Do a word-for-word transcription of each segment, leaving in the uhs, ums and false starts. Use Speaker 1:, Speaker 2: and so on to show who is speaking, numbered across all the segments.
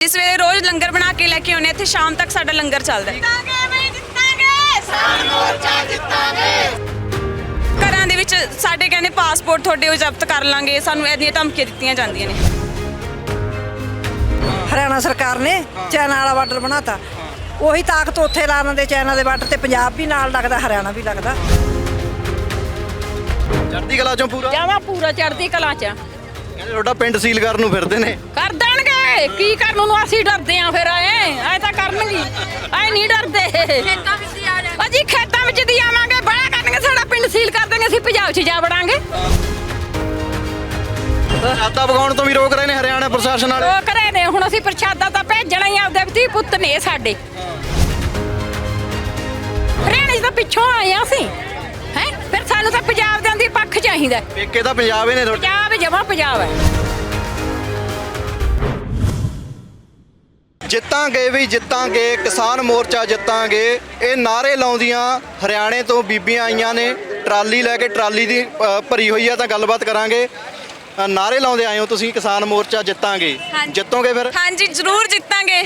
Speaker 1: ਸਵੇਰੇ ਰੋਜ਼ ਲੰਗਰ ਬਣਾ ਕੇ ਲੈ ਕੇ ਆਉਂਦੇ ਇੱਥੇ, ਸ਼ਾਮ ਤੱਕ ਸਾਡਾ ਲੰਗਰ ਚੱਲਦਾ ਹੈ। ਘਰਾਂ ਦੇ ਵਿੱਚ ਸਾਡੇ ਕਹਿੰਦੇ ਪਾਸਪੋਰਟ ਤੁਹਾਡੇ ਉਹ ਜ਼ਬਤ ਕਰ ਲਾਂਗੇ, ਸਾਨੂੰ ਇਹਦੀਆਂ ਧਮਕੀਆਂ ਦਿੱਤੀਆਂ ਜਾਂਦੀਆਂ ਨੇ।
Speaker 2: ਹਰਿਆਣਾ ਸਰਕਾਰ ਨੇ ਚਾਈਨਾ ਵਾਲਾ ਬਾਰਡਰ ਬਣਾਤਾ, ਉਹੀ ਤਾਕਤ ਉੱਥੇ ਲਾ ਦਿੰਦੇ ਚਾਈਨਾ ਦੇ ਬਾਰਡਰ ਤੇ, ਪੰਜਾਬ ਵੀ ਨਾਲ ਲੱਗਦਾ, ਹਰਿਆਣਾ ਵੀ ਲੱਗਦਾ।
Speaker 3: ਚੜ੍ਹਦੀ ਕਲਾ ਚੋਂ ਪੂਰਾ
Speaker 4: ਜਾਵਾ ਪੂਰਾ ਚੜ੍ਹਦੀ ਕਲਾ ਚ
Speaker 3: ਕਹਿੰਦੇ ਤੁਹਾਡਾ ਪਿੰਡ ਸੀਲ ਕਰਨ ਨੂੰ ਫਿਰਦੇ ਨੇ।
Speaker 4: ਕਰ ਦੇਣਗੇ, ਕੀ ਕਰਨ ਨੂੰ ਅਸੀਂ ਡਰਦੇ ਆ ਫਿਰ? ਐ ਐ ਤਾਂ ਕਰਨਗੇ, ਐ ਨਹੀਂ ਡਰਦੇ। ਅਸੀਂ ਖੇਤਾਂ ਵਿੱਚ ਦੀ ਆਵਾਂਗੇ, ਬੜਾ ਕਰਨਗੇ, ਸਾਡਾ ਪਿੰਡ ਸੀਲ ਕਰ ਦੇਣਗੇ, ਅਸੀਂ ਪੰਜਾਬ 'ਚ ਜਾ ਵੜਾਂਗੇ।
Speaker 3: ਪ੍ਰਸ਼ਾਦਾ ਪਕਾਉਣ ਤੋਂ ਵੀ ਰੋਕ ਰਹੇ ਨੇ ਹਰਿਆਣਾ ਪ੍ਰਸ਼ਾਸਨ ਵਾਲੇ।
Speaker 4: ਉਹ ਕਰੇ ਨੇ, ਹੁਣ ਅਸੀਂ ਪ੍ਰਸ਼ਾਦਾ ਤਾਂ ਭੇਜਣਾ ਹੀ, ਆਪਦੇ ਧੀ ਪੁੱਤ ਨੇ ਸਾਡੇ। ਹਰਿਆਣੇ 'ਚ ਤਾਂ ਪਿੱਛੋਂ ਆਏ ਆ ਅਸੀਂ, ਹੈ ਫਿਰ ਸਾਨੂੰ ਤਾਂ ਪੰਜਾਬ ਦੇ ਅੰਦਰ ਪੱਖ ਚਾਹੀਦਾ।
Speaker 3: ਪੇਕੇ ਤਾਂ ਪੰਜਾਬ ਹੀ ਨੇ ਤੁਹਾਡੇ।
Speaker 4: ਪੰਜਾਬ ਜਮਾ ਪੰਜਾਬ ਹੈ।
Speaker 3: ਜਿੱਤਾਂਗੇ ਵੀ ਜਿੱਤਾਂਗੇ, ਕਿਸਾਨ ਮੋਰਚਾ ਜਿੱਤਾਂਗੇ, ਇਹ ਨਾਅਰੇ ਲਾਉਂਦੀਆਂ ਹਰਿਆਣੇ ਤੋਂ ਬੀਬੀਆਂ ਆਈਆਂ ਨੇ, ਟਰਾਲੀ ਲੈ ਕੇ, ਟਰਾਲੀ ਦੀ ਅ, ਭਰੀ ਹੋਈ ਆ। ਤਾਂ ਗੱਲਬਾਤ ਕਰਾਂਗੇ। ਅ, ਨਾਅਰੇ ਲਾਉਂਦੇ ਆਏ ਹੋ ਤੁਸੀਂ, ਕਿਸਾਨ ਮੋਰਚਾ ਜਿੱਤਾਂਗੇ, ਜਿੱਤੋਗੇ ਫਿਰ?
Speaker 1: ਹਾਂਜੀ ਜ਼ਰੂਰ ਜਿੱਤਾਂਗੇ।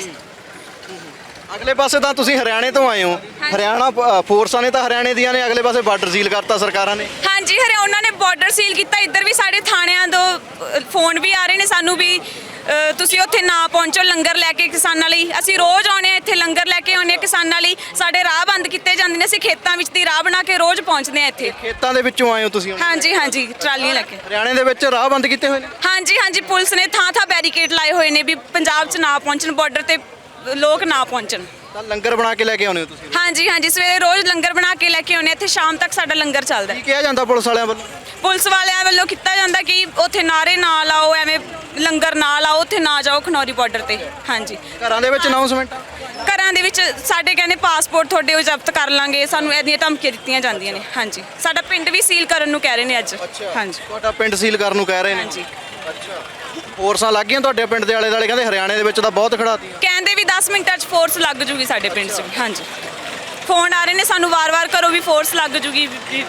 Speaker 3: ਅਗਲੇ ਪਾਸੇ ਤਾਂ ਤੁਸੀਂ ਹਰਿਆਣੇ ਤੋਂ ਆਏ ਹੋ, ਹਰਿਆਣਾ ਅ, ਫੋਰਸਾਂ ਨੇ ਤਾਂ ਹਰਿਆਣੇ ਦੀਆਂ ਨੇ, ਅਗਲੇ ਪਾਸੇ ਬਾਰਡਰ ਸੀਲ ਕਰਤਾ ਸਰਕਾਰਾਂ ਨੇ।
Speaker 1: ਹਾਂਜੀ ਹਰਿਆਣਾ ਉਹਨਾਂ ਨੇ ਬਾਰਡਰ ਸੀਲ ਕੀਤਾ, ਇੱਧਰ ਵੀ ਸਾਡੇ ਥਾਣਿਆਂ ਤੋਂ ਅ, ਫੋਨ ਵੀ ਆ ਰਹੇ ਨੇ ਸਾਨੂੰ ਵੀ ਅ, ਤੁਸੀਂ ਉੱਥੇ ਨਾ ਪਹੁੰਚੋ ਲੰਗਰ ਲੈ ਕੇ ਕਿਸਾਨਾਂ ਲਈ। ਅਸੀਂ ਰੋਜ਼ ਆਉਂਦੇ ਹਾਂ ਇੱਥੇ, ਲੰਗਰ ਲੈ ਕੇ ਆਉਂਦੇ ਹਾਂ ਕਿਸਾਨਾਂ ਲਈ, ਸਾਡੇ ਰਾਹ ਬੰਦ ਕੀਤੇ ਜਾਂਦੇ ਨੇ, ਅਸੀਂ ਖੇਤਾਂ ਵਿੱਚ ਦੀ ਰਾਹ ਬਣਾ ਕੇ ਰੋਜ਼ ਪਹੁੰਚਦੇ ਹਾਂ ਇੱਥੇ।
Speaker 3: ਖੇਤਾਂ ਦੇ ਵਿੱਚੋਂ ਆਏ ਹੋ ਤੁਸੀਂ ਹੁਣ?
Speaker 1: ਹਾਂਜੀ ਹਾਂਜੀ ਟਰਾਲੀਆਂ ਲੈ ਕੇ।
Speaker 3: ਹਰਿਆਣੇ ਦੇ ਵਿੱਚ ਰਾਹ ਬੰਦ ਕੀਤੇ ਹੋਏ ਨੇ?
Speaker 1: ਹਾਂਜੀ ਹਾਂਜੀ ਪੁਲਿਸ ਨੇ ਥਾਂ ਥਾਂ ਬੈਰੀਕੇਡ ਲਾਏ ਹੋਏ ਨੇ ਵੀ ਪੰਜਾਬ 'ਚ ਨਾ ਪਹੁੰਚਣ, ਬਾਰਡਰ ਤੇ ਲੋਕ ਨਾ ਪਹੁੰਚਣ।
Speaker 3: ਤਾਂ ਲੰਗਰ ਬਣਾ ਕੇ ਲੈ ਕੇ ਆਉਂਦੇ ਹੋ ਤੁਸੀਂ?
Speaker 1: ਹਾਂਜੀ ਹਾਂਜੀ ਸਵੇਰੇ ਰੋਜ਼ ਲੰਗਰ ਬਣਾ ਕੇ ਲੈ ਕੇ ਆਉਂਦੇ ਇੱਥੇ, ਸ਼ਾਮ ਤੱਕ ਸਾਡਾ ਲੰਗਰ ਚੱਲਦਾ ਹੈ।
Speaker 3: ਕੀ ਕਿਹਾ ਜਾਂਦਾ ਪੁਲਿਸ ਵਾਲਿਆਂ ਵੱਲੋਂ?
Speaker 1: ਪੁਲਿਸ ਵਾਲਿਆਂ ਵੱਲੋਂ ਕੀਤਾ ਜਾਂਦਾ ਕਿ ਉੱਥੇ ਨਾਰੇ ਨਾ ਲਾਓ, ਐਵੇਂ ਲੰਗਰ ਨਾ ਲਾਓ, ਉੱਥੇ ਨਾ ਜਾਓ ਖਨੌਰੀ ਬਾਰਡਰ ਤੇ। ਹਾਂਜੀ
Speaker 3: ਘਰਾਂ ਦੇ ਵਿੱਚ ਅਨਾਉਂਸਮੈਂਟ?
Speaker 1: ਘਰਾਂ ਦੇ ਵਿੱਚ ਸਾਡੇ ਕਹਿੰਦੇ ਪਾਸਪੋਰਟ ਤੁਹਾਡੇ ਉਹ ਜ਼ਬਤ ਕਰ ਲਾਂਗੇ, ਸਾਨੂੰ ਇਹਦੀਆਂ ਧਮਕੀਆਂ ਦਿੱਤੀਆਂ ਜਾਂਦੀਆਂ ਨੇ। ਹਾਂਜੀ ਸਾਡਾ ਪਿੰਡ ਵੀ ਸੀਲ ਕਰਨ ਨੂੰ ਕਹਿ ਰਹੇ ਨੇ ਅੱਜ। ਹਾਂਜੀ
Speaker 3: ਤੁਹਾਡਾ ਪਿੰਡ ਸੀਲ ਕਰਨ ਨੂੰ ਕਹਿ ਰਹੇ ਨੇ?
Speaker 1: ਹਾਂਜੀ
Speaker 3: ਅੱਛਾ, ਫੋਰਸਾਂ ਲੱਗ ਗਈਆਂ ਤੁਹਾਡੇ ਪਿੰਡ ਦੇ ਆਲੇ ਦੁਆਲੇ? ਕਹਿੰਦੇ ਹਰਿਆਣੇ ਦੇ ਵਿੱਚ ਤਾਂ ਬਹੁਤ ਖੜਾਤੀ।
Speaker 1: ਕਹਿੰਦੇ ਵੀ ਦਸ ਮਿੰਟਾਂ 'ਚ ਫੋਰਸ ਲੱਗ ਜੂਗੀ ਸਾਡੇ ਪਿੰਡ 'ਚ। ਹਾਂਜੀ ਫੋਨ ਆ ਰਹੇ ਨੇ ਸਾਨੂੰ ਵਾਰ-ਵਾਰ, ਕਰੋ ਵੀ ਫੋਰਸ ਲੱਗ ਜੂਗੀ।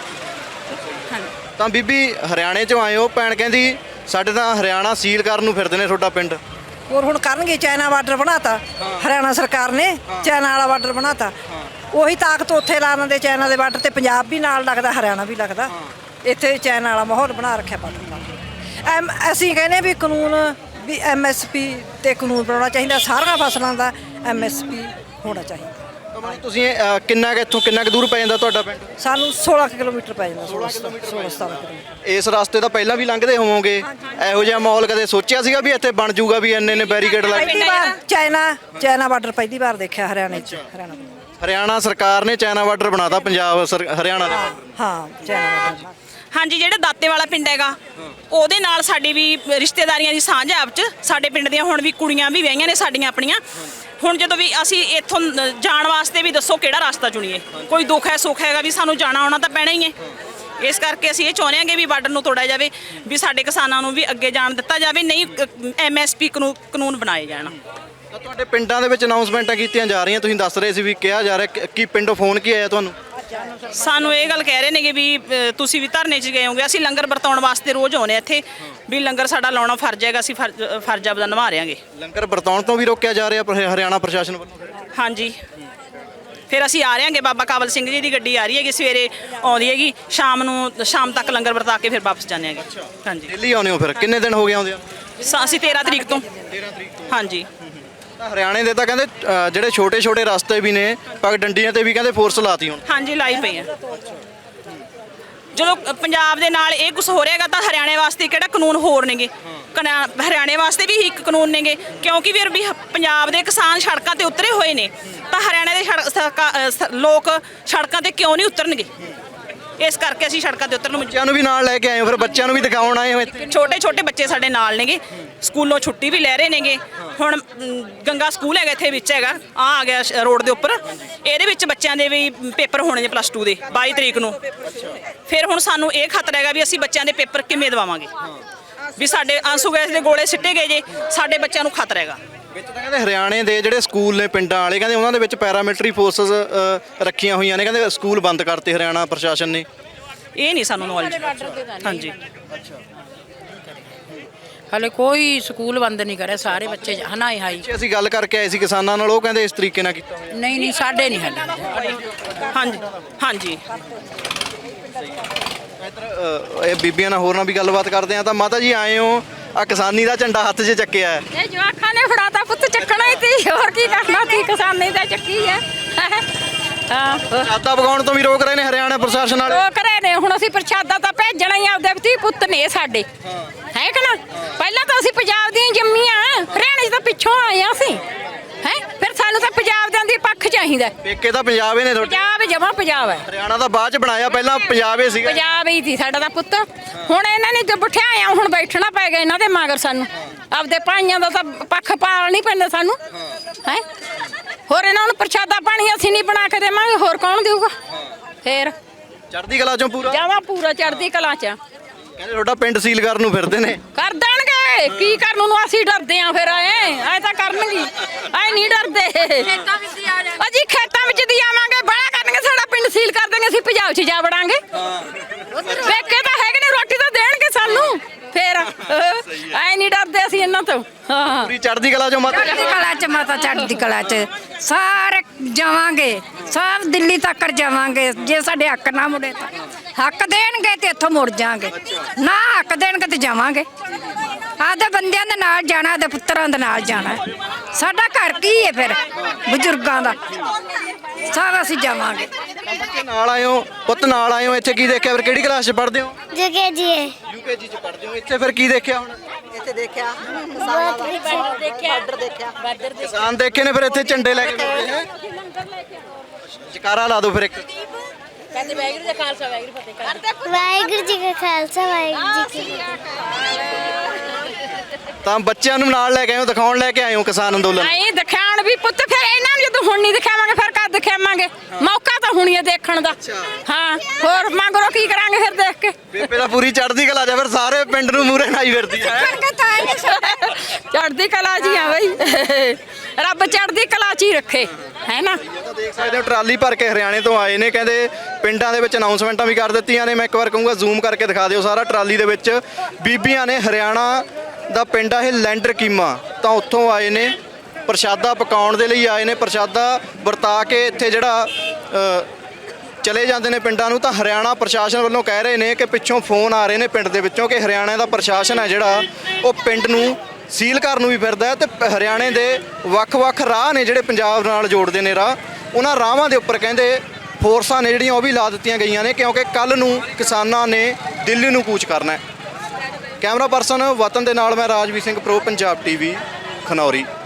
Speaker 1: ਹਾਂਜੀ
Speaker 3: ਤਾਂ ਬੀਬੀ ਹਰਿਆਣੇ ਚੋਂ ਆਏ ਹੋ, ਭੈਣ ਕਹਿੰਦੀ ਸਾਡੇ ਤਾਂ ਹਰਿਆਣਾ ਸੀਲ ਕਰਨ ਨੂੰ ਫਿਰਦੇ ਨੇ ਤੁਹਾਡਾ ਪਿੰਡ।
Speaker 2: ਹੋਰ ਹੁਣ ਕਰਨਗੇ, ਚਾਈਨਾ ਬਾਰਡਰ ਬਣਾਤਾ ਹਰਿਆਣਾ ਸਰਕਾਰ ਨੇ, ਚਾਈਨਾ ਵਾਲਾ ਬਾਰਡਰ ਬਣਾਤਾ, ਉਹੀ ਤਾਕਤ ਉੱਥੇ ਲਾ ਦਿੰਦੇ ਚਾਈਨਾ ਦੇ ਬਾਰਡਰ ਤੇ, ਪੰਜਾਬ ਵੀ ਨਾਲ ਲੱਗਦਾ, ਹਰਿਆਣਾ ਵੀ ਲੱਗਦਾ। ਇੱਥੇ ਚਾਈਨਾ ਵਾਲਾ ਮਾਹੌਲ ਬਣਾ ਰੱਖਿਆ ਬਾਰਡਰ ਦਾ। ਐਮ ਅਸੀਂ ਕਹਿੰਦੇ ਵੀ ਕਾਨੂੰਨ ਵੀ ਐਮ ਐਸ ਪੀ ਤੇ ਕਾਨੂੰਨ ਬਣਾਉਣਾ ਚਾਹੀਦਾ, ਸਾਰੀਆਂ ਫਸਲਾਂ ਦਾ ਐਮ ਐਸ ਪੀ ਹੋਣਾ ਚਾਹੀਦਾ।
Speaker 3: ਤਾਂ ਮਤਲਬ ਤੁਸੀਂ ਅ, ਕਿੰਨਾ ਕੁ ਇੱਥੋਂ ਕਿੰਨਾ ਕੁ ਦੂਰ ਪੈ ਜਾਂਦਾ ਤੁਹਾਡਾ ਪਿੰਡ?
Speaker 2: ਸਾਨੂੰ ਸੋਲਾਂ ਕਿਲੋਮੀਟਰ ਪੈ ਜਾਂਦਾ, ਸੋਲਾਂ ਸੋਲਾਂ ਸਤਾਰਾਂ ਕਿਲੋਮੀਟਰ।
Speaker 3: ਇਸ ਰਸਤੇ ਤਾਂ ਪਹਿਲਾਂ ਵੀ ਲੰਘਦੇ ਹੋਵੋਗੇ, ਇਹੋ ਜਿਹਾ ਮਾਹੌਲ ਕਦੇ ਸੋਚਿਆ ਸੀਗਾ ਵੀ ਇੱਥੇ ਬਣ ਜਾਊਗਾ, ਵੀ ਇੰਨੇ ਨੇ ਬੈਰੀਕੇਡ ਲਾਏ?
Speaker 2: ਪਹਿਲੀ ਵਾਰ ਚਾਈਨਾ ਚਾਈਨਾ ਬਾਰਡਰ ਪਹਿਲੀ ਵਾਰ ਦੇਖਿਆ ਹਰਿਆਣੇ 'ਚ। ਹਰਿਆਣਾ
Speaker 3: ਹਰਿਆਣਾ ਸਰਕਾਰ ਨੇ ਚਾਈਨਾ ਬਾਰਡਰ ਬਣਾਤਾ ਪੰਜਾਬ ਸਰ- ਹਰਿਆਣਾ ਦਾ।
Speaker 2: ਹਾਂ ਚਾਈਨਾ ਬਾਰਡਰ।
Speaker 5: ਹਾਂਜੀ ਜਿਹੜਾ ਦਾਤੇ ਵਾਲਾ ਪਿੰਡ ਹੈਗਾ, ਉਹਦੇ ਨਾਲ ਸਾਡੀ ਵੀ ਰਿਸ਼ਤੇਦਾਰੀਆਂ ਦੀ ਸਾਂਝ ਹੈ ਆਪ 'ਚ। ਸਾਡੇ ਪਿੰਡ ਦੀਆਂ ਹੁਣ ਵੀ ਕੁੜੀਆਂ ਵੀ ਵਿਆਹੀਆਂ ਨੇ ਸਾਡੀਆਂ ਆਪਣੀਆਂ। ਹੁਣ ਜਦੋਂ ਵੀ ਅਸੀਂ ਇੱਥੋਂ ਜਾਣ ਵਾਸਤੇ ਵੀ ਦੱਸੋ ਕਿਹੜਾ ਰਸਤਾ ਚੁਣੀਏ, ਕੋਈ ਦੁੱਖ ਹੈ ਸੁੱਖ ਹੈਗਾ ਵੀ ਸਾਨੂੰ ਜਾਣਾ ਆਉਣਾ ਤਾਂ ਪੈਣਾ ਹੀ ਹੈ। ਇਸ ਕਰਕੇ ਅਸੀਂ ਇਹ ਚਾਹੁੰਦੇ ਹਾਂ ਕਿ ਵੀ ਬਾਰਡਰ ਨੂੰ ਤੋੜਿਆ ਜਾਵੇ, ਵੀ ਸਾਡੇ ਕਿਸਾਨਾਂ ਨੂੰ ਵੀ ਅੱਗੇ ਜਾਣ ਦਿੱਤਾ ਜਾਵੇ, ਨਹੀਂ ਐਮ ਐਸ ਪੀ ਕਾਨੂੰਨ ਬਣਾਏ ਜਾਣ।
Speaker 3: ਤਾਂ ਤੁਹਾਡੇ ਪਿੰਡਾਂ ਦੇ ਵਿੱਚ ਅਨਾਉਂਸਮੈਂਟਾਂ ਕੀਤੀਆਂ ਜਾ ਰਹੀਆਂ, ਤੁਸੀਂ ਦੱਸ ਰਹੇ ਸੀ ਵੀ ਕਿਹਾ ਜਾ ਰਿਹਾ, ਕਿ- ਕੀ ਪਿੰਡੋਂ ਫੋਨ ਕੀ ਆਇਆ ਤੁਹਾਨੂੰ?
Speaker 5: ਸਾਨੂੰ ਇਹ ਗੱਲ ਕਹਿ ਰਹੇ ਨੇ ਕਿ ਵੀ ਅ, ਤੁਸੀਂ ਵੀ ਧਰਨੇ 'ਚ ਗਏ ਹੋਗੇ। ਅਸੀਂ ਲੰਗਰ ਵਰਤਾਉਣ ਵਾਸਤੇ ਰੋਜ਼ ਆਉਂਦੇ ਇੱਥੇ, ਵੀ ਲੰਗਰ ਸਾਡਾ ਲਾਉਣਾ ਫਰਜ਼ ਹੈਗਾ, ਅਸੀਂ ਫਰਜ਼ ਫਰਜ਼ ਆਪਦਾ ਨਿਭਾ ਰਹਾਂਗੇ।
Speaker 3: ਲੰਗਰ ਵਰਤਾਉਣ ਤੋਂ ਵੀ ਰੋਕਿਆ ਜਾ ਰਿਹਾ ਪਰ ਹਰਿਆਣਾ ਪ੍ਰਸ਼ਾਸਨ ਵੱਲੋਂ?
Speaker 5: ਹਾਂਜੀ ਫਿਰ ਅਸੀਂ ਆ ਰਹੇ ਹਾਂਗੇ, ਬਾਬਾ ਕਾਬਲ ਸਿੰਘ ਜੀ ਦੀ ਗੱਡੀ ਆ ਰਹੀ ਹੈਗੀ, ਸਵੇਰੇ ਆਉਂਦੀ ਹੈਗੀ, ਸ਼ਾਮ ਨੂੰ ਸ਼ਾਮ ਤੱਕ ਲੰਗਰ ਵਰਤਾ ਕੇ ਫਿਰ ਵਾਪਸ ਜਾਂਦੇ ਹੈਗੇ। ਹਾਂਜੀ
Speaker 3: ਦਿੱਲੀ ਆਉਂਦੇ ਹੋ ਫਿਰ? ਕਿੰਨੇ ਦਿਨ ਹੋ ਗਏ ਆਉਂਦੇ ਆ?
Speaker 5: ਸ- ਅਸੀਂ ਤੇਰਾਂ ਤਰੀਕ ਤੋਂ।
Speaker 3: ਤੇਰਾਂ ਤਰੀਕ ਤੋਂ।
Speaker 5: ਹਾਂਜੀ
Speaker 3: ਤਾਂ ਹਰਿਆਣੇ ਦੇ ਤਾਂ ਕਹਿੰਦੇ ਅ, ਜਿਹੜੇ ਛੋਟੇ ਛੋਟੇ ਰਸਤੇ ਵੀ ਨੇ, ਪਗ ਡੰਡੀਆਂ ਤੇ ਵੀ ਕਹਿੰਦੇ ਫੋਰਸ ਲਾਤੀ ਹੁਣ।
Speaker 5: ਹਾਂਜੀ ਲਾਈ ਪਈ ਆ। ਜਦੋਂ ਪੰਜਾਬ ਦੇ ਨਾਲ ਇਹ ਕੁਝ ਹੋ ਰਿਹਾਗਾ ਤਾਂ ਹਰਿਆਣੇ ਵਾਸਤੇ ਕਿਹੜਾ ਕਾਨੂੰਨ ਹੋਰ ਨੇਗੇ? ਕਨਾ- ਹਰਿਆਣੇ ਵਾਸਤੇ ਵੀ ਇੱਕ ਕਾਨੂੰਨ ਨੇਗੇ, ਕਿਉਂਕਿ ਫਿਰ ਵੀ ਹ- ਪੰਜਾਬ ਦੇ ਕਿਸਾਨ ਸੜਕਾਂ ਤੇ ਉਤਰੇ ਹੋਏ ਨੇ, ਤਾਂ ਹਰਿਆਣੇ ਦੇ ਸੜਕ- ਸਰਕਾ- ਅ, ਸ- ਲੋਕ ਸੜਕਾਂ ਤੇ ਕਿਉਂ ਨਹੀਂ ਉਤਰਨਗੇ? ਇਸ ਕਰਕੇ ਅਸੀਂ ਸੜਕਾਂ ਤੇ ਉਤਰਨ ਨੂੰ
Speaker 3: ਬੱਚਿਆਂ ਨੂੰ ਵੀ ਨਾਲ ਲੈ ਕੇ ਆਏ ਹੋ, ਫਿਰ ਬੱਚਿਆਂ ਨੂੰ ਵੀ ਦਿਖਾਉਣ ਆਏ ਹੋ ਇੱਥੇ?
Speaker 5: ਛੋਟੇ ਛੋਟੇ ਬੱਚੇ ਸਾਡੇ ਨਾਲ ਨੇਗੇ, ਸਕੂਲੋਂ ਛੁੱਟੀ ਵੀ ਲੈ ਰਹੇ ਨੇਗੇ। ਹੁਣ ਮ, ਗੰਗਾ ਸਕੂਲ ਹੈਗਾ ਇੱਥੇ ਵਿੱਚ ਹੈਗਾ, ਆ ਆ ਗਿਆ ਸ਼- ਰੋਡ ਦੇ ਉੱਪਰ, ਇਹਦੇ ਵਿੱਚ ਬੱਚਿਆਂ ਦੇ ਵੀ ਪੇਪਰ ਹੋਣੇ ਨੇ ਪਲੱਸ ਟੂ ਦੇ ਬਾਈ ਤਰੀਕ ਨੂੰ। ਫਿਰ ਹੁਣ ਸਾਨੂੰ ਇਹ ਖਤਰਾ ਹੈਗਾ ਵੀ ਅਸੀਂ ਬੱਚਿਆਂ ਦੇ ਪੇਪਰ ਕਿਵੇਂ ਦਵਾਵਾਂਗੇ, ਵੀ ਸਾਡੇ ਆਂਸੂ ਗੈਸ ਦੇ ਗੋਲੇ ਸਿੱਟੇ ਗਏ ਜੇ, ਸਾਡੇ ਬੱਚਿਆਂ ਨੂੰ ਖਤਰਾ ਹੈਗਾ।
Speaker 3: ਵਿੱਚ ਤਾਂ ਕਹਿੰਦੇ ਹਰਿਆਣੇ ਦੇ ਜਿਹੜੇ ਸਕੂਲ ਨੇ ਪਿੰਡਾਂ ਵਾਲੇ, ਕਹਿੰਦੇ ਉਹਨਾਂ ਦੇ ਵਿੱਚ ਪੈਰਾਮਿਲਟਰੀ ਫੋਰਸਸ ਰੱਖੀਆਂ ਹੋਈਆਂ ਨੇ, ਕਹਿੰਦੇ ਸਕੂਲ ਬੰਦ ਕਰਤੇ ਹਰਿਆਣਾ ਪ੍ਰਸ਼ਾਸਨ ਨੇ।
Speaker 5: ਇਹ ਨਹੀਂ ਸਾਨੂੰ ਨੌਲੇਜ। ਹਾਂਜੀ
Speaker 6: ਹਲੇ ਕੋਈ ਸਕੂਲ ਬੰਦ ਨਹੀਂ ਕਰਿਆ, ਸਾਰੇ ਬੱਚੇ ਹਨਾਏ ਹਾਈ।
Speaker 3: ਜੇ ਅਸੀਂ ਗੱਲ ਕਰਕੇ ਆਏ ਸੀ ਕਿਸਾਨਾਂ ਨਾਲ, ਉਹ ਕਹਿੰਦੇ ਇਸ ਤਰੀਕੇ ਨਾਲ ਕੀਤਾ ਹੋਇਆ।
Speaker 6: ਨਹੀਂ ਨਹੀਂ ਸਾਡੇ ਨਹੀਂ ਹਲੇ।
Speaker 5: ਹਾਂਜੀ ਹਾਂਜੀ
Speaker 3: ਇੱਧਰ ਅ, ਇਹ ਬੀਬੀਆਂ ਨਾਲ ਹੋਰ ਨਾਲ ਵੀ ਗੱਲਬਾਤ ਕਰਦੇ ਆ। ਤਾਂ ਮਾਤਾ ਜੀ ਆਏ ਹੋ, ਆ ਕਿਸਾਨੀ ਦਾ ਝੰਡਾ ਹੱਥ 'ਚ ਚੱਕਿਆ ਹੈ।
Speaker 4: ਇਹ ਜਵਾਖਾਂ ਨੇ ਫੜਾਤਾ ਪੁੱਤ, ਚੱਕਣਾ ਹੀ ਤੀ, ਹੋਰ ਕੀ ਕਰਨਾ ਸੀ, ਕਿਸਾਨੀ ਦਾ ਚੱਕੀ ਹੈ। ਹਾਂ
Speaker 3: ਪ੍ਰਸ਼ਾਦਾ ਪਕਾਉਣ ਤੋਂ ਵੀ ਰੋਕ ਰਹੇ ਨੇ ਹਰਿਆਣਾ ਪ੍ਰਸ਼ਾਸਨ ਵਾਲੇ।
Speaker 4: ਉਹ ਕਰੇ ਨੇ, ਹੁਣ ਅਸੀਂ ਪ੍ਰਸ਼ਾਦਾ ਤਾਂ ਭੇਜਣਾ ਹੀ, ਆਪਦੇ ਧੀ ਪੁੱਤ ਨੇ ਸਾਡੇ, ਹੈ ਕਿ ਨਾ। ਪਹਿਲਾਂ ਤਾਂ ਅਸੀਂ ਪੰਜਾਬ ਦੀਆਂ ਜੰਮੀਆਂ, ਹਰਿਆਣੇ 'ਚ ਤਾਂ ਪਿੱਛੋਂ ਆਏ ਆ ਅਸੀਂ, ਹੈ। ਫਿਰ ਸਾਨੂੰ ਤਾਂ ਪੰਜਾਬ ਦੇ ਦੀ ਪੱਖ ਚਾਹੀਦਾ।
Speaker 3: ਪੇਕੇ ਤਾਂ ਪੰਜਾਬ ਹੀ ਨੇ ਤੁਹਾਡੇ,
Speaker 4: ਪੰਜਾਬ ਜਮਾ ਪੰਜਾਬ ਹੈ।
Speaker 3: ਹਰਿਆਣਾ ਤਾਂ ਬਾਅਦ 'ਚ ਬਣਾਇਆ, ਪਹਿਲਾਂ ਪੰਜਾਬ ਹੀ ਸੀਗਾ।
Speaker 4: ਪੰਜਾਬ ਹੀ ਸੀ ਸਾਡਾ ਤਾਂ ਪੁੱਤ। ਹੁਣ ਇਹਨਾਂ ਨੇ ਤੇ ਬਿਠਾਇਆ, ਹੁਣ ਬੈਠਣਾ ਪੈ ਗਿਆ ਇਹਨਾਂ ਦੇ ਮਗਰ ਸਾਨੂੰ। ਆਪਦੇ ਭਾਈਆਂ ਦਾ ਤਾਂ ਪੱਖ ਪਾਲ ਨਹੀਂ ਪੈਂਦਾ ਸਾਨੂੰ, ਹੈ। ਹੋਰ ਇਹਨਾਂ ਨੂੰ ਪ੍ਰਸ਼ਾਦਾ ਪਾਣੀ ਅਸੀਂ ਨਹੀਂ ਬਣਾ ਕੇ ਦੇਵਾਂਗੇ, ਹੋਰ ਕੌਣ ਦੇਊਗਾ ਫੇਰ।
Speaker 3: ਚੜ੍ਹਦੀ ਕਲਾ 'ਚੋਂ ਪੂਰਾ
Speaker 4: ਜਾਵਾ ਪੂਰਾ ਚੜ੍ਹਦੀ ਕਲਾ ਚ।
Speaker 3: ਕਹਿੰਦੇ ਤੁਹਾਡਾ ਪਿੰਡ ਸੀਲ ਕਰਨ ਨੂੰ ਫਿਰਦੇ ਨੇ।
Speaker 4: ਕਰ ਦੇਣਗੇ, ਕੀ ਕਰਨ ਨੂੰ ਅਸੀਂ ਡਰਦੇ ਆਂ ਫਿਰ। ਐ ਐ ਤਾਂ ਕਰਨਗੇ, ਐ ਨਹੀਂ ਡਰਦੇ। ਅਜੀ ਖੇਤਾਂ ਵਿੱਚ ਦੀ ਆਵਾਂਗੇ, ਬੜਾ ਕਰਨਗੇ, ਸਾਡਾ ਪਿੰਡ ਸੀਲ ਕਰ ਦੇਣਗੇ, ਅਸੀਂ ਪੰਜਾਬ 'ਚ ਜਾ ਵੜਾਂਗੇ। ਵੇਖੇ ਤਾਂ ਹੈਗੇ ਨੇ, ਰੋਟੀ ਤਾਂ ਦੇਣਗੇ ਸਾਨੂੰ ਫੇਰ। ਐ ਨਹੀਂ ਡਰਦੇ ਅਸੀਂ ਇਹਨਾਂ ਤੋਂ। ਹਾਂ
Speaker 3: ਪੂਰੀ ਚੜ੍ਹਦੀ ਕਲਾ 'ਚੋਂ ਮਾਤਾ
Speaker 7: ਚੜ੍ਹਦੀ ਕਲਾ ਚ ਮਾਤਾ, ਚੜ੍ਹਦੀ ਕਲਾ ਚ ਸਾਰੇ ਜਾਵਾਂਗੇ, ਸਭ ਦਿੱਲੀ ਤੱਕ ਜਾਵਾਂਗੇ। ਜੇ ਸਾਡੇ ਹੱਕ ਨਾ ਮੁੜੇ ਤਾਂ ਹੱਕ ਦੇਣਗੇ ਤੇ ਇੱਥੋਂ ਮੁੜ ਜਾਾਂਗੇ, ਨਾ ਹੱਕ ਦੇਣਗੇ ਤੇ ਜਾਵਾਂਗੇ। ਆਦੇ ਬੰਦਿਆਂ ਦੇ ਨਾਲ ਜਾਣਾ, ਆਦੇ ਪੁੱਤਰਾਂ ਦੇ ਨਾਲ ਜਾਣਾ। ਸਾਡਾ ਘਰ ਕੀ ਹੈ ਫਿਰ, ਬਜ਼ੁਰਗਾਂ ਦਾ। ਸਭ ਅਸੀਂ ਜਾਵਾਂਗੇ।
Speaker 3: ਬੱਚੇ ਨਾਲ ਆਏ ਹੋ, ਪੁੱਤ ਨਾਲ ਆਏ ਹੋ, ਇੱਥੇ ਕੀ ਦੇਖਿਆ ਫਿਰ? ਕਿਹੜੀ ਕਲਾਸ 'ਚ ਪੜ੍ਹਦੇ ਹੋ?
Speaker 8: ਜਗੇ ਜੀ
Speaker 3: ਯੂਕੇਜੀ 'ਚ ਪੜ੍ਹਦੇ ਹੋ। ਇੱਥੇ ਫਿਰ ਕੀ ਦੇਖਿਆ ਹੁਣ?
Speaker 2: ਇੱਥੇ ਦੇਖਿਆ ਕਿਸਾਨਾਂ ਦਾ ਬਾਰਡਰ ਦੇਖਿਆ।
Speaker 3: ਕਿਸਾਨ ਦੇਖੇ ਨੇ, ਫਿਰ ਇੱਥੇ ਝੰਡੇ ਲੈ ਕੇ ਬੈਠੇ ਹੈ। ਜਕਾਰਾ ਲਾ ਦਿਓ ਫਿਰ ਇੱਕ।
Speaker 8: ਵਾਹਿਗੁਰੂ ਜੀ ਕਾ ਖਾਲਸਾ, ਵਾਹਿਗੁਰੂ ਜੀ ਕੀ
Speaker 3: ਤਾਂ ਬੱਚਿਆਂ ਨੂੰ ਨਾਲ ਲੈ ਕੇ ਆਏ ਹੋ, ਦਿਖਾਉਣ ਲੈ ਕੇ ਆਏ ਹੋ ਕਿਸਾਨ ਅੰਦੋਲਨ।
Speaker 4: ਨਹੀਂ ਦਿਖਾਉਣ ਵੀ ਪੁੱਤ, ਫਿਰ ਇਹਨਾਂ ਨੂੰ ਜਦੋਂ ਹੁਣ ਨਹੀਂ ਦਿਖਾਵਾਂਗੇ ਫਿਰ ਕਦ ਦਿਖਾਵਾਂਗੇ? ਮੌਕਾ ਤਾਂ ਹੁਣੀ ਹੈ ਦੇਖਣ ਦਾ। ਹਾਂ ਹੋਰ ਮੰਗਰੋ ਕੀ ਕਰਾਂਗੇ ਫਿਰ ਦੇਖ ਕੇ।
Speaker 3: ਬੇਬੇ ਤਾਂ ਪੂਰੀ ਚੜ੍ਹਦੀ ਕਲਾ 'ਚ, ਫਿਰ ਸਾਰੇ ਪਿੰਡ ਨੂੰ ਮੂਹਰੇ ਨਾਈ ਫਿਰਦੀ ਹੈ।
Speaker 4: ਚੜ੍ਹਦੀ ਕਲਾ ਜੀ ਆ ਬਈ, ਰੱਬ ਚੜ੍ਹਦੀ ਕਲਾ ਚ ਹੀ ਰੱਖੇ, ਹੈ ਨਾ।
Speaker 3: ਦੇਖ ਸਕਦੇ ਹੋ ਟਰਾਲੀ ਭਰ ਕੇ ਹਰਿਆਣੇ ਤੋਂ ਆਏ ਨੇ। ਕਹਿੰਦੇ ਪਿੰਡਾਂ ਦੇ ਵਿੱਚ ਅਨਾਉਂਸਮੈਂਟਾਂ ਵੀ ਕਰ ਦਿੱਤੀਆਂ ਨੇ। ਮੈਂ ਇੱਕ ਵਾਰ ਕਹੂੰਗਾ ਜ਼ੂਮ ਕਰਕੇ ਦਿਖਾ ਦਿਓ ਸਾਰਾ ਟਰਾਲੀ ਦੇ ਵਿੱਚ ਬੀਬੀਆਂ ਨੇ। ਹਰਿਆਣਾ ਦਾ ਪਿੰਡ ਆ ਇਹ ਲੈਂਡਰ ਕੀਮਾ, ਤਾਂ ਉੱਥੋਂ ਆਏ ਨੇ, ਪ੍ਰਸ਼ਾਦਾ ਪਕਾਉਣ ਦੇ ਲਈ ਆਏ ਨੇ। ਪ੍ਰਸ਼ਾਦਾ ਵਰਤਾ ਕੇ ਇੱਥੇ ਜਿਹੜਾ ਅ, ਚਲੇ ਜਾਂਦੇ ਨੇ ਪਿੰਡਾਂ ਨੂੰ। ਤਾਂ ਹਰਿਆਣਾ ਪ੍ਰਸ਼ਾਸਨ ਵੱਲੋਂ ਕਹਿ ਰਹੇ ਨੇ ਕਿ ਪਿੱਛੋਂ ਫੋਨ ਆ ਰਹੇ ਨੇ ਪਿੰਡ ਦੇ ਵਿੱਚੋਂ ਕਿ ਹਰਿਆਣਾ ਦਾ ਪ੍ਰਸ਼ਾਸਨ ਹੈ ਜਿਹੜਾ ਉਹ ਪਿੰਡ ਨੂੰ ਸੀਲ ਕਰਨ ਨੂੰ ਵੀ ਫਿਰਦਾ ਹੈ। ਤੇ ਹਰਿਆਣੇ ਦੇ ਵੱਖ-ਵੱਖ ਰਾਹ ਨੇ ਜਿਹੜੇ ਪੰਜਾਬ ਨਾਲ ਜੋੜਦੇ ਨੇ ਰਾਹ, ਉਹਨਾਂ ਰਾਹਾਂ ਦੇ ਉੱਪਰ ਕਹਿੰਦੇ ਫੋਰਸਾਂ ਨੇ ਜਿਹੜੀਆਂ ਉਹ ਵੀ ਲਾ ਦਿੱਤੀਆਂ ਗਈਆਂ ਨੇ, ਕਿਉਂਕਿ ਕੱਲ ਨੂੰ ਕਿਸਾਨਾਂ ਨੇ ਦਿੱਲੀ ਨੂੰ ਕੂਚ ਕਰਨਾ ਹੈ। ਕੈਮਰਾ ਪਰਸਨ ਵਤਨ ਦੇ ਨਾਲ ਮੈਂ ਰਾਜਵੀਰ ਸਿੰਘ, ਪ੍ਰੋ ਪੰਜਾਬ ਟੀਵੀ, ਖਨੌਰੀ।